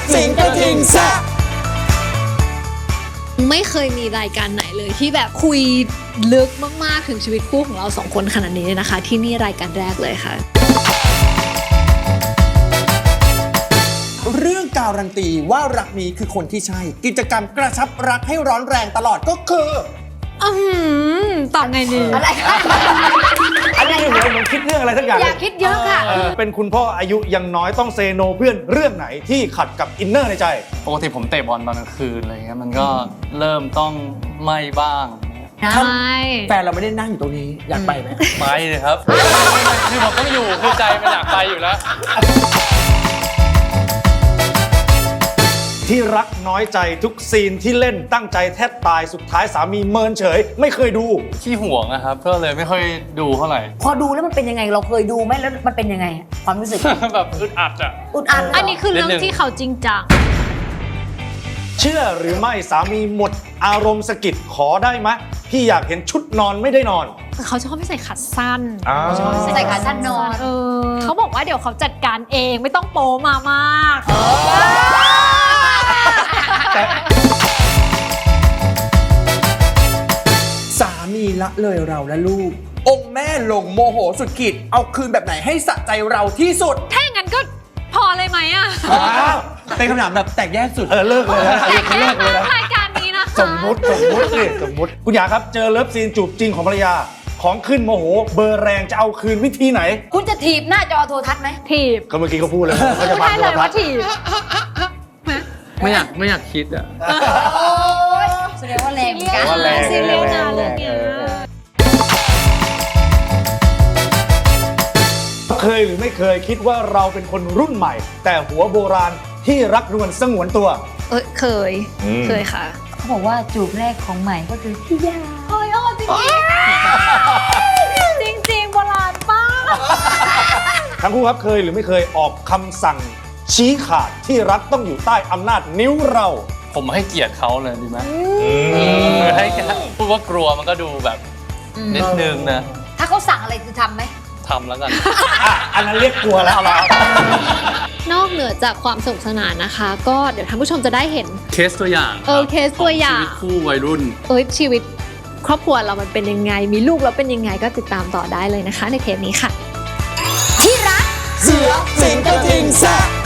สิงกระทิงแซะไม่เคยมีรายการไหนเลยที่แบบคุยลึกมากๆถึงชีวิตคู่ของเราสองคนขนาดนี้เลยนะคะที่นี่รายการแรกเลยค่ะเรื่องการันตีว่ารักนี้คือคนที่ใช่กิจกรรมกระชับรักให้ร้อนแรงตลอดก็คือตอบไงดีอะไรอันนี้เหมือนคิดเรื่องอะไรสักอย่างอย่าคิดเยอะค่ะเป็นคุณพ่ออายุยังน้อยต้องเซโนเพื่อนเรื่องไหนที่ขัดกับอินเนอร์ในใจปกติผมเตะบอลตอนกลางคืนอะไรเงี้ยมันก็เริ่มต้องไม่บ้างใช่แฟนเราไม่ได้นั่งอยู่ตรงนี้อยากไปไหมไปเลยครับคือผมต้องอยู่คือใจมันอยากไปอยู่แล้วที่รักน้อยใจทุกซีนที่เล่นตั้งใจแทบตายสุดท้ายสามีเมินเฉยไม่เคยดูขี้ห่วงนะครับก็เลยไม่ค่อยดูเท่าไหร่พอดูแล้วมันเป็นยังไงเราเคยดูไหมแล้วมันเป็นยังไงความรู้สึกแบบอึดอัดอ่ะอึดอัดอันนี้คือเรื่องที่เขาจริงจังเชื่อหรือไม่สามีหมดอารมณ์สะกิดขอได้ไหมพี่อยากเห็นชุดนอนไม่ได้นอนเขาชอบไม่ใส่ขาสั้นชอบใส่ขาสั้นนอนเขาบอกว่าเดี๋ยวเขาจัดการเองไม่ต้องโป๊มามากสามีละเลยเราและลูกองค์แม่ลงโมโหสุดขีดเอาคืนแบบไหนให้สะใจเราที่สุดถ้าอย่างนั้นก็พอเลยไหมอ่ะเป็นคำถามแบบแตกแยกสุดเลิกเลยนะแตกแยกรายการนี้นะคะสมมุติคุณอยากครับเจอเลิฟซีนจูบจริงของภรรยาของขึ้นโมโหเบอร์แรงจะเอาคืนวิธีไหนคุณจะถีบหน้าจอโทรทัศน์ไหมถีบก็เมื่อกี้เขาพูดเลยเขาจะมาโทรทัศน์ถีบไม่อยากคิดอ่ะโอ้ยแสดงว่าแรงกันซีเรียสนะเรื่องนี้เคยหรือไม่เคยคิดว่าเราเป็นคนรุ่นใหม่แต่หัวโบราณที่รักนวลสงวนตัวเคยค่ะเขาบอกว่าจูบแรกของใหม่ก็คือพี่ยาจริงโบราณป้าทั้งคู่ครับเคยหรือไม่เคยออกคำสั่งชี้ขาดที่รักต้องอยู่ใต้อำนาจนิ้วเราผมให้เกียรติเขาเลยดีไหมให้พูดว่ากลัวมันก็ดูแบบนิดนึงนะถ้าเขาสั่งอะไรคือทำไหมทำแล้วกันอันนั้นเรียกกลัวแล้วนอกเหนือจากความสนุกสนานนะคะก็เดี๋ยวท่านผู้ชมจะได้เห็นเคสตัวอย่างเคสตัวอย่างชีวิตคู่วัยรุ่นชีวิตครอบครัวเรามันเป็นยังไงมีลูกแล้วเป็นยังไงก็ติดตามต่อได้เลยนะคะในเทปนี้ค่ะที่รักเสือสิงกระทิงแซะ